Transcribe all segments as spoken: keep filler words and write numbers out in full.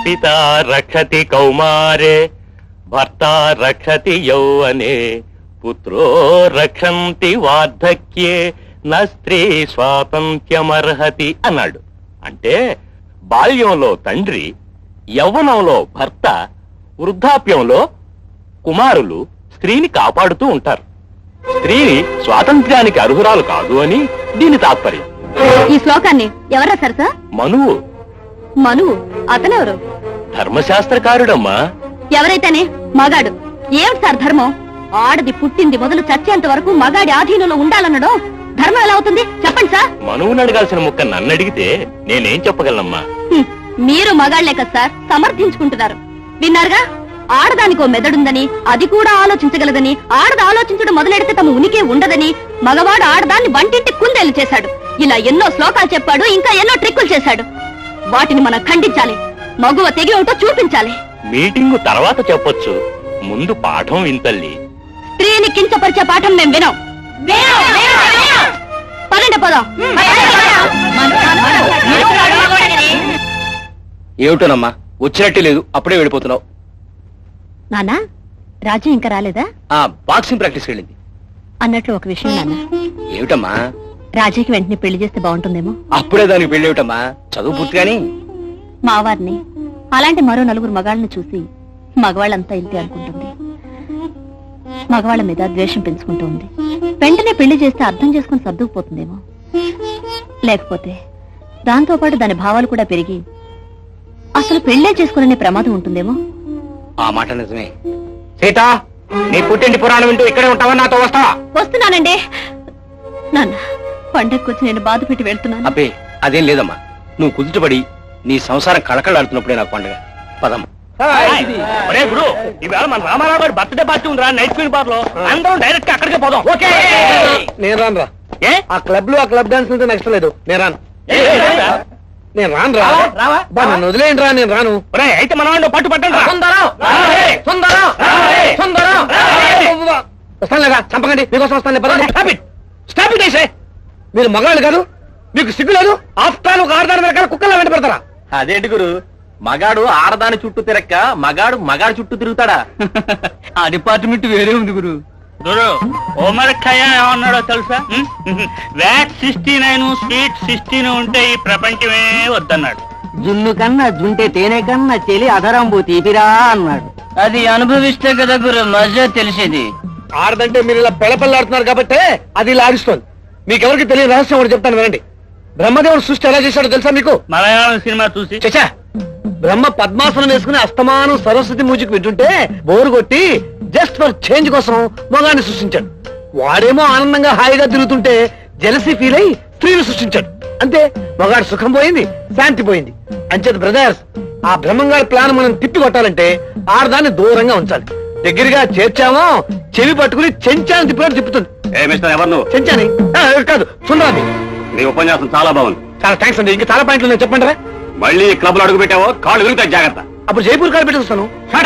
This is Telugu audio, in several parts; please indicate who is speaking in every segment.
Speaker 1: పితా రక్షతి కౌమారే భర్త రక్షతి యౌవనే పుత్రో రక్షంతి వార్ధక్యే నా స్త్రీ స్వాతంత్ర్యమర్హతి అన్నాడు. అంటే బాల్యంలో తండ్రి, యవ్వనంలో భర్త, వృద్ధాప్యంలో కుమారులు స్త్రీని కాపాడుతూ ఉంటారు. స్త్రీని స్వాతంత్ర్యానికి అర్హురాలు కాదు అని దీని తాత్పర్యం.
Speaker 2: ఈ శ్లోకాన్ని ఎవరు రాశారు సార్?
Speaker 1: మనువు.
Speaker 2: మనువు అతనెవరు?
Speaker 1: ధర్మశాస్త్రకారుడమ్మా.
Speaker 2: ఎవరైతేనే మగాడు. ఏమిటి సార్ ధర్మం? ఆడది పుట్టింది మొదలు చచ్చేంత వరకు మగాడి ఆధీనంలో ఉండాలన్నడం ధర్మం ఎలా అవుతుంది చెప్పండి సార్.
Speaker 1: మనువుని అడగాల్సిన ముక్క నన్ను అడిగితే నేనేం చెప్పగలనమ్మా?
Speaker 2: మీరు మగాళ్లే కదా సార్ సమర్థించుకుంటున్నారు. విన్నారుగా, ఆడదానికో మెదడుందని, అది కూడా ఆలోచించగలదని, ఆడద ఆలోచించడం మొదలెడితే తమ ఉనికి ఉండదని, మగవాడు ఆడదాన్ని వంటింటి కుందేలు చేశాడు. ఇలా ఎన్నో శ్లోకాలు చెప్పాడు, ఇంకా ఎన్నో ట్రిక్కులు చేశాడు. వాటిని మనం ఖండించాలి. మగువ తెగి ఉంటో చూపించాలి.
Speaker 1: మీటింగు తర్వాత చెప్పొచ్చు, ముందు పాఠం వింతల్లి.
Speaker 2: స్త్రీని కించపరిచే పాఠం మేం వినాం. పదండి పోదాం.
Speaker 3: ఏమిటోనమ్మా, వచ్చినట్టే లేదు, అప్పుడే వెళ్ళిపోతున్నావు.
Speaker 2: నానా, రాజు ఇంకా రాలేదా?
Speaker 3: ఆ బాక్సింగ్ ప్రాక్టీస్ వెళ్ళింది.
Speaker 2: అన్నట్లు ఒక విషయం నాన్న.
Speaker 3: ఏమిటమ్మా?
Speaker 2: రాజీకి వెంటనే పెళ్లి చేస్తే బాగుంటుందేమో.
Speaker 3: అప్పుడే దానికి పెళ్లి ఏమిటమ్మా, చదువు పూర్తిగాని.
Speaker 2: మావారిని అలాంటి మరో నలుగురు మగాళ్ళని చూసి మగవాళ్ళంతా ఇంతే అనుకుంటుంది. మగవాళ్ళ మీద ద్వేషం పెంచుకుంటూ ఉంది. వెంటనే పెళ్లి చేస్తే అర్థం చేసుకుని సర్దుకుపోతుందేమో. లేకపోతే దాంతో పాటు దాని భావాలు కూడా పెరిగి అసలు పెళ్లే చేసుకునే ప్రమాదం ఉంటుందేమో.
Speaker 3: ఆ మాట నిజమే. సీత, నీ పుట్టింటి పురాణం వింటూ ఇక్కడే ఉంటావా, నాతో వస్తావా?
Speaker 2: వస్తున్నానండి. నాన్న, పండగకొచ్చి నేను బాధ పెట్టి వెళ్తున్నాను.
Speaker 3: అబ్బే, అదేం లేదమ్మా. నువ్వు కుదుటపడి నీ సంసారం కళకళాడుతున్నప్పుడే నాకు పండుగ. పదమ్మా.
Speaker 1: గురు, ఈవేళ మన రామారావు గారి బర్త్డే పార్టీ ఉందిరా నైట్ స్క్రీన్ బార్ లో. అందరం డైరెక్ట్ అక్కడికే పోదాం. ఓకే?
Speaker 3: నేను రాను రా.
Speaker 1: ఏ
Speaker 3: ఆ క్లబ్ లో ఆ క్లబ్ డాన్స్ అంటే నెక్స్ట్ లేదు. నేను రాను. నేను రాను రా. నన్ను వదిలేయండి రా, నేను రాను.
Speaker 1: అయితే మన వాడిని పట్టు పట్టండి.
Speaker 3: వస్తాను లేదా? చంపకండి, మీకోసం వస్తాను. స్టాప్ ఇట్ ఐసే. మీరు మగాళ్ళు కాదు, మీకు సిగ్గు లేదు. ఆఫ్టర్ ఒక ఆడదాని వెనకాల కుక్కలా వెంట పెడతారా?
Speaker 1: అదేంటి గురు, మగాడు ఆడదాని చుట్టూ తిరక్క మగాడు మగాడు చుట్టూ తిరుగుతాడా?
Speaker 3: ఆ డిపార్ట్మెంట్ వేరే ఉంది గురు.
Speaker 1: గురు, ఓమరక్కయ్య ఏమన్నాడో తెలుసా? What sixty nine sweet sixteen ఉంటే ఈ ప్రపంచమే వద్దన్నాడు.
Speaker 4: జున్ను కన్నా జుంటే తేనె కన్నా చెలి అధరంబు తీపిరా అన్నాడు. అది అనుభవిస్తే కదా గురు మజా తెలిసేది.
Speaker 3: ఆడదంటే మీరు ఇలా పెళ్ళపల్లాడుతున్నారు కాబట్టి అది ఇలా ఆడిస్తోంది. మీకెవరికి తెలియని రహస్యం ఒకటి చెప్తాను వినండి. బ్రహ్మదేవుడు సృష్టి ఎలా చేశాడో తెలుసా మీకు?
Speaker 1: మలయాళం సినిమా చూసి.
Speaker 3: చచ్చా, బ్రహ్మ పద్మాసనం వేసుకుని అస్తమానం సరస్వతి మ్యూజిక్ వింటుంటే బోరు కొట్టి జస్ట్ ఫర్ చేంజ్ కోసం మగాన్ని సృష్టించాడు. వాడేమో ఆనందంగా హాయిగా తిరుగుతుంటే జెలసీ ఫీల్ అయి స్త్రీని సృష్టించాడు. అంతే, మగాడు సుఖం పోయింది, శాంతి పోయింది. అంచేత బ్రదర్స్, ఆ బ్రహ్మంగారి ప్లాన్ మనం తిప్పి కొట్టాలంటే ఆడదాన్ని దూరంగా ఉంచాలి. దగ్గరగా చేర్చామో చెవి పట్టుకుని చెంచాని తిప్పినట్టు తిప్పుతుంది. చెంచాని కాదు, సుందరాన్ని.
Speaker 1: నీ ఉపన్యాసం చాలా బాగుంది.
Speaker 3: చాలా థ్యాంక్స్ అండి. ఇంకా చాలా పాయింట్లు ఉన్నాయి, చెప్పండి.
Speaker 1: మళ్ళీ క్లబ్ లో అడుగు పెట్టావో కాళ్ళు విరుగుతాయి, జాగ్రత్త.
Speaker 3: అప్పుడు జైపూర్ కాళ్ళు పెట్టేస్తాను.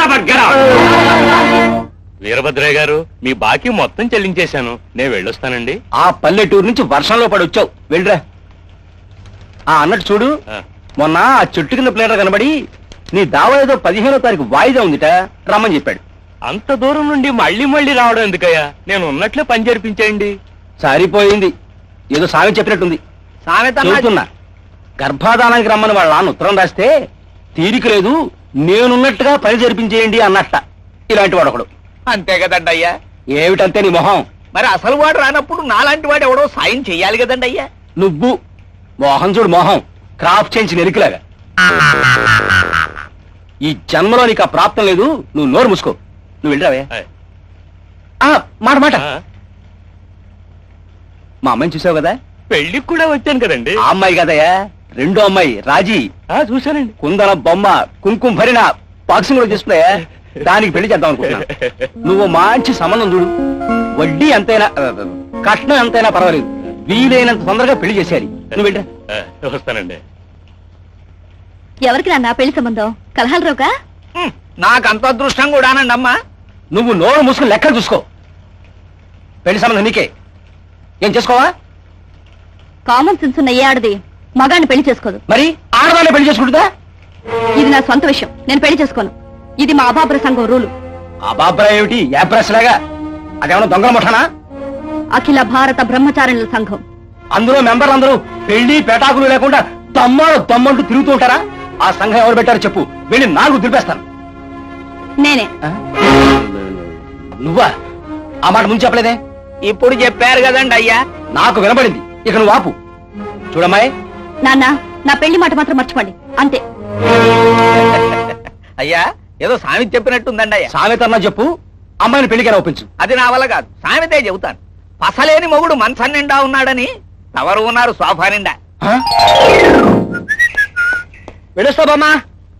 Speaker 1: వీరభద్రయ్య గారు, మీ బాకీ మొత్తం చెల్లించేశాను, నేను వెళ్ళొస్తానండి.
Speaker 3: ఆ పల్లెటూరు నుంచి వర్షంలో పడి వచ్చావు, వెళ్ళరా. ఆ అన్నట్టు చూడు, మొన్న ఆ చెట్టు కింద ప్లేటర్ కనబడి నీ దావా ఏదో పదిహేనో తారీఖు వాయిదా ఉందిట, రమ్మని చెప్పాడు.
Speaker 1: అంత దూరం నుండి మళ్ళీ మళ్ళీ రావడం ఎందుకయ్యా? నేను ఉన్నట్లే పని జరిపించేయండి.
Speaker 3: సరిపోయింది, ఏదో సామెత చెప్పినట్టుంది. చెబుతున్నా, గర్భాధానానికి రమ్మని వాళ్ళ నాన్న ఉత్తరం రాస్తే తీరిక లేదు, నేనున్నట్టుగా పని జరిపించేయండి అన్నట్ట. ఇలాంటి వాడు ఒకడు.
Speaker 1: అంతే కదండి అయ్యా.
Speaker 3: ఏమిటంతే నీ మొహం?
Speaker 1: మరి అసలు వాడు రానప్పుడు నాలాంటి వాడు ఎవడో సాయం చెయ్యాలి కదండి అయ్యా.
Speaker 3: నువ్వు మోహం చూడు, మొహం క్రాఫ్ చేయించి నెరికిలాగా. ఈ జన్మలో నీకు ఆ ప్రాప్తం లేదు, నువ్వు నోరు మూసుకో. నువ్వు వెళ్ళరావే. మాట మాట మా అమ్మాయిని చూసావు కదా?
Speaker 1: పెళ్లికి కూడా వచ్చాను కదండి.
Speaker 3: ఆ అమ్మాయి కదయ్యా, రెండో అమ్మాయి రాజీ.
Speaker 1: చూశానండి.
Speaker 3: కుందన బొమ్మ, కుంకుమ భరిన బాక్సింగ్ కూడా చేసుకున్నా. దానికి పెళ్లి చేద్దాం అనుకుంటున్నా. నువ్వు మంచి సంబంధం చూడు, వడ్డీ ఎంతైనా కట్నం ఎంతైనా పర్వాలేదు, వీలైనంత తొందరగా పెళ్లి చేసేయాలి. నువ్వు వెళ్ళరా.
Speaker 1: వస్తానండి.
Speaker 2: ఎవరికి నాన్న పెళ్లి సంబంధం? కలహాలు రోకా?
Speaker 1: నాకు అంత అదృష్టం కూడానండి అమ్మా.
Speaker 3: నువ్వు నోరు మూసుకుని లెక్కలు చూసుకో. పెళ్లి సంబంధం నీకే. ఏం చేసుకోవా?
Speaker 2: కామన్ సెన్స్ ఉన్న ఏ ఆడది మగాన్ని పెళ్లి చేసుకోదు.
Speaker 3: మరి ఆడదాన్ని పెళ్లి చేసుకుంటుందా?
Speaker 2: ఇది నా సొంత విషయం, నేను పెళ్లి చేసుకోను. ఇది మా అభాబ్ర సంఘం రూలు.
Speaker 3: అబాబ్రా ఏమిటి యాప్రెస్ లాగా? అదేమన్నా దొంగల ముఠానా?
Speaker 2: అఖిల భారత బ్రహ్మచారిణుల సంఘం.
Speaker 3: అందులో మెంబర్లు అందరూ పెళ్లి పేటాకులు లేకుండా దమ్మాడు దమ్మంటూ తిరుగుతూ ఉంటారా? ఆ సంఘం ఎవరు పెట్టారో చెప్పు, వెళ్ళి నాలుగు దులిపేస్తాను.
Speaker 2: నేనే.
Speaker 3: నువ్వా? ఆ మాట ముందు చెప్పలేదే?
Speaker 1: ఇప్పుడు చెప్పారు కదండి అయ్యా.
Speaker 3: నాకు వినబడింది, ఇక నువ్వు ఆపు. చూడమ్మాయి,
Speaker 2: నాన్న, నా పెళ్లి మాట మాత్రం మర్చిపోండి, అంతే.
Speaker 1: అయ్యా ఏదో సామెత చెప్పినట్టుందండి అయ్యా.
Speaker 3: సామెత అన్నా చెప్పు, అమ్మాయిని పెళ్లికైనా ఒప్పించు.
Speaker 1: అది నా వల్ల కాదు, సామెతే చెబుతాను. పసలేని మొగుడు మనస నిండా ఉన్నాడని ఎవరు ఉన్నారు సోఫా నిండా.
Speaker 3: వెళ్ళొస్తా బామ్మా.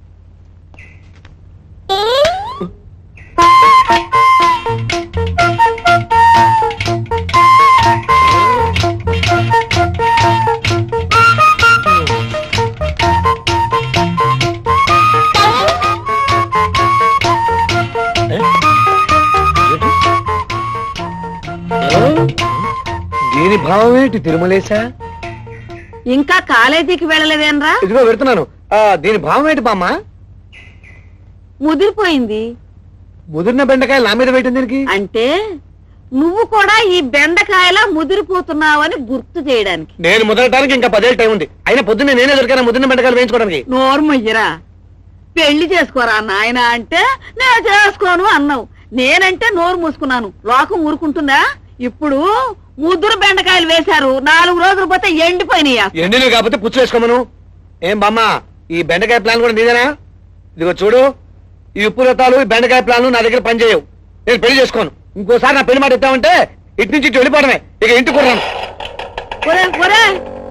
Speaker 3: దీని భావం ఏంటి తిరుమలేశా?
Speaker 2: ఇంకా కాలేజీకి వెళ్ళలేదేనరా?
Speaker 3: ఇదిగో పెడుతున్నాను. ఆ, దీని భావం ఏంటి బామ్మ?
Speaker 2: ముదిరిపోయింది
Speaker 3: ముదిరిన బెండకాయలు నా మీద పెట్టింది దీనికి?
Speaker 2: అంటే నువ్వు కూడా ఈ బెండకాయలా ముదిరిపోతున్నావని గుర్తు చేయడానికి.
Speaker 3: నేను ముదరడానికి ఇంకా పదేళ్ళు టైం ఉంది. అయినా పొద్దున్నే నేనే దొరికాను ముదిరిన బెండకాయలు వేయించుకోవడానికి.
Speaker 2: నోర్మయ్యరా, పెళ్లి చేసుకోరా నాయన అంటే నేను చేసుకోను అన్నావు. నేనంటే నోరు మూసుకున్నాను, లోకం ఊరుకుంటుందా? ఇప్పుడు ముద్దురు బెండకాయలు వేశారు, నాలుగు రోజులు పోతే ఎండిపోయినాయా?
Speaker 3: ఎండినవి కాకపోతే పుచ్చు వేసుకోమను. ఏం బామ్మ, ఈ బెండకాయ ప్లాన్ కూడా నీదేనా? ఇదిగో చూడు, ఈ ఉప్పు రతాలు ఈ బెండకాయ ప్లాన్లు నా దగ్గర పనిచేయవు. నేను పెళ్లి చేసుకోను. ఇంకోసారి నా పెళ్లి మాట ఎత్తామంటే ఇటు నుంచి ఇటు వెళ్ళిపోవడమే. ఇక ఇంటికి కొన్నాను.
Speaker 2: ఒరే ఒరే,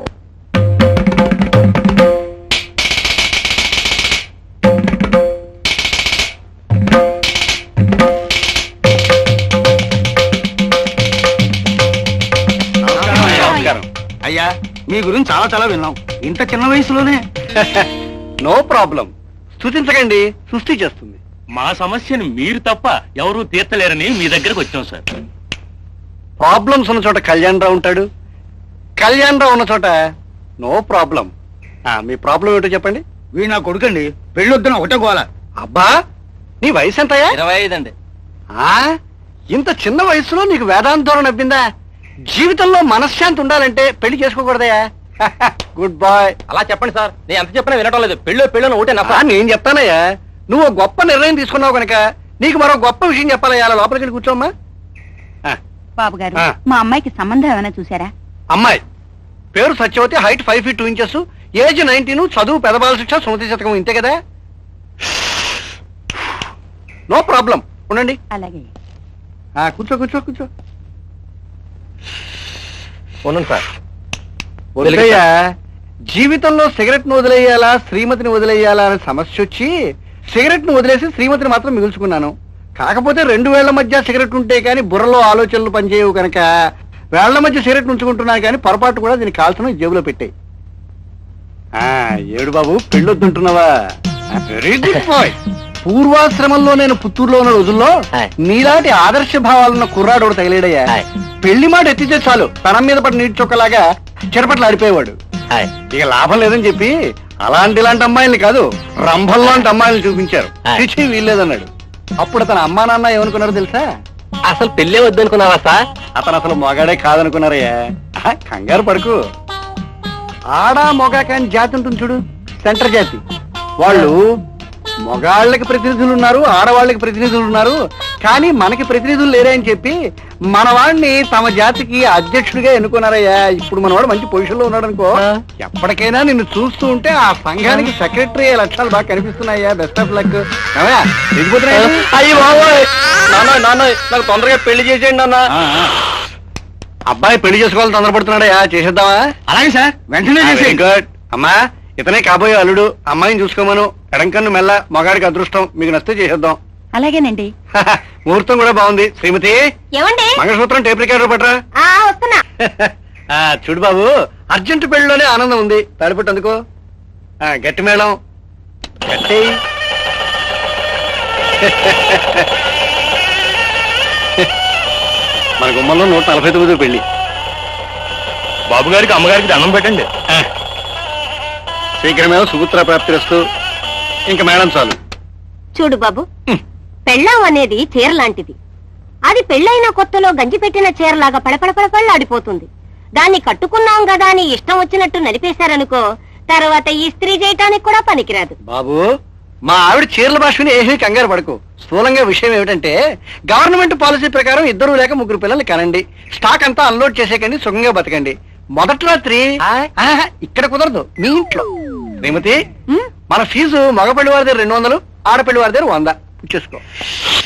Speaker 3: అయ్యా, మీ గురించి చాలా చాలా విన్నాం. ఇంత చిన్న వయసులోనే. నో ప్రాబ్లం, స్తుతించకండి, సృష్టి చేస్తుంది.
Speaker 1: మా సమస్యను మీరు తప్ప ఎవరూ తీర్చలేరని మీ దగ్గరకు వచ్చాం సార్.
Speaker 3: ప్రాబ్లమ్స్ ఉన్న చోట కళ్యాణ్ రావు ఉంటాడు, కళ్యాణ్ రావు ఉన్న చోట నో ప్రాబ్లం. మీ ప్రాబ్లం ఏంటో చెప్పండి.
Speaker 1: వీ నా కొడుకండి, పెళ్లి వద్దున ఒకటే గోల.
Speaker 3: అబ్బా, నీ వయసు ఎంతయ్యా?
Speaker 1: ఇరవై ఐదు అండి.
Speaker 3: ఆ, ఇంత చిన్న వయసులో నీకు వేదాంతోరం నవ్విందా? జీవితంలో మనశ్శాంతి ఉండాలంటే పెళ్లి చేసుకోకూడదయా? Good bye.
Speaker 1: అలా చెప్పండి సార్, నేను ఎంత చెప్పినా వినటం లేదు. పెళ్ళి పెళ్ళి ఒకటే
Speaker 3: ఆ, నేను చెప్తానయ్యా, నువ్వు ఓ గొప్ప నిర్ణయం తీసుకున్నావు కనుక నీకు మరో గొప్ప విషయం చెప్పాలయ్యా. అలా లోపలికి వెళ్ళి కూర్చోమ్మా.
Speaker 2: బాబు గారు,
Speaker 3: ఆ.
Speaker 2: మా అమ్మాయికి సంబంధం ఏమైనా చూసారా?
Speaker 3: అమ్మాయి పేరు Satyavati, height five feet two inches, age nineteen, చదువు పెదబాల శిక్ష, సుమతి శతకం, ఇంతే కదా? నో ప్రాబ్లం, ఉండండి.
Speaker 2: అలాగే.
Speaker 3: ఆ, కూర్చో కూర్చో కూర్చో. ఉండండి సార్. వదిలేయ్యా, జీవితంలో సిగరెట్ ను వదిలేయాలా శ్రీమతిని వదిలేయాలా అనే సమస్య వచ్చి సిగరెట్ ను వదిలేసి శ్రీమతిని మాత్రం మిగుల్చుకున్నాను. కాకపోతే రెండు వేళ్ల మధ్య సిగరెట్ ఉంటే కానీ బుర్రలో ఆలోచనలు పనిచేయవు కనుక వేళ్ల మధ్య సిగరెట్ ఉంచుకుంటున్నాను, కానీ పొరపాటు కూడా దీన్ని కాల్సిన జేబులో పెట్టాయి. ఏడు బాబు, పెళ్ళొద్దుంటున్నావా? Very good boy. పూర్వాశ్రమంలో నేను పుత్తూరులో ఉన్న రోజుల్లో నీలాంటి ఆదర్శ భావాలున్న కుర్రాడు తగిలేడయ్యా. పెళ్లి మాట ఎత్తితే చాలు తనం మీద పడి నీటి చొక్కలాగా చెరపట్లు ఆడిపోయేవాడు. ఇక లాభం లేదని చెప్పి అలాంటి ఇలాంటి అమ్మాయిల్ని కాదు, రంభల్లాంటి అమ్మాయిల్ని చూపించారు. చిచి వీల్లేదన్నాడు. అప్పుడు తన అమ్మా నాన్న ఏమనుకున్నారో తెలుసా?
Speaker 1: అసలు పెళ్ళే వద్దనుకున్నావా సార్?
Speaker 3: అతను అసలు మొగాడే కాదనుకున్నారయ్యా. కంగారు పడుకు. ఆడా మొగా కాని జాతి ఉంటుంది చూడు, సెంటర్ జాతి. వాళ్ళు మొగాళ్ళకి ప్రతినిధులు ఉన్నారు, ఆడవాళ్ళకి ప్రతినిధులు ఉన్నారు, కానీ మనకి ప్రతినిధులు లేరే అని చెప్పి మన వాడిని తమ జాతికి అధ్యక్షుడిగా ఎన్నుకున్నారయ్యా. ఇప్పుడు మనవాడు మంచి పొజిషన్ లో ఉన్నాడు అనుకో, ఎప్పటికైనా నిన్ను చూస్తూ ఉంటే ఆ సంఘానికి సెక్రటరీ అయ్యే లక్షణాలు బాగా కనిపిస్తున్నాయ్యా. Best of luck.
Speaker 1: అయ్యి బాబోయ్, నాన్న నాన్న నాకు తొందరగా పెళ్లి చేసేయండి నాన్న.
Speaker 3: అబ్బాయి పెళ్లి చేసుకోవాలని తొందరపడుతున్నాడయ్యా, చేసేద్దామా?
Speaker 1: అలాగే సార్, వెంటనే చేసేయండి.
Speaker 3: గుడ్. అమ్మా, ఇతనే కాబోయే అల్లుడు. అమ్మాయిని చూసుకోమను. ఎడంకన్ను మెల్ల, మగాడికి అదృష్టం. మీకు నచ్చితే చేసేద్దాం.
Speaker 2: అలాగేనండి.
Speaker 3: ముహూర్తం కూడా బాగుంది. శ్రీమతి,
Speaker 2: ఏమండి?
Speaker 3: మంగళసూత్రం టేప్ రికార్డర్ పట్రా.
Speaker 2: వస్తున్నా.
Speaker 3: చూడు బాబు, అర్జెంట్ పెళ్లిలోనే ఆనందం ఉంది. తాడిపట్టు అందుకో. ఆ, గట్టి మేళం గట్టి. మన గుమ్మంలో నూట నలభై తొమ్మిది పెళ్లి.
Speaker 1: బాబు గారికి అమ్మగారికి దండం పెట్టండి.
Speaker 3: శీఘ్రమేమో సుపుత్ర ప్రాప్తిరస్తు. ఇంకా మేడం చాలు.
Speaker 5: చూడు బాబు, పెళ్ళాం అనేది చీర లాంటిది. అది పెళ్ళైన కొత్తలో గంజి పెట్టిన చీరలాగా పడపడపడపళ్ళాడిపోతుంది. దాన్ని కట్టుకున్నాం కదా అని ఇష్టం వచ్చినట్టు నలిపేశారనుకో, తర్వాత ఈ స్త్రీ చేయటానికి కూడా పనికిరాదు.
Speaker 3: బాబు, మా ఆవిడ చీరల భాషని ఏమీ కంగారు పడకు. స్థూలంగా విషయం ఏమిటంటే, గవర్నమెంట్ పాలసీ ప్రకారం ఇద్దరు లేక ముగ్గురు పిల్లల్ని కనండి, స్టాక్ అంతా అన్లోడ్ చేసేకండి, సుఖంగా బతకండి. మొదటి రాత్రి ఆహా, ఇక్కడ కుదరదు, మీ ఇంట్లో. శ్రీమతి, మన ఫీజు మగపల్లి వారి దగ్గర రెండు వందలు, ఆడపల్లి వారి దగ్గర వంద. చూసుకో.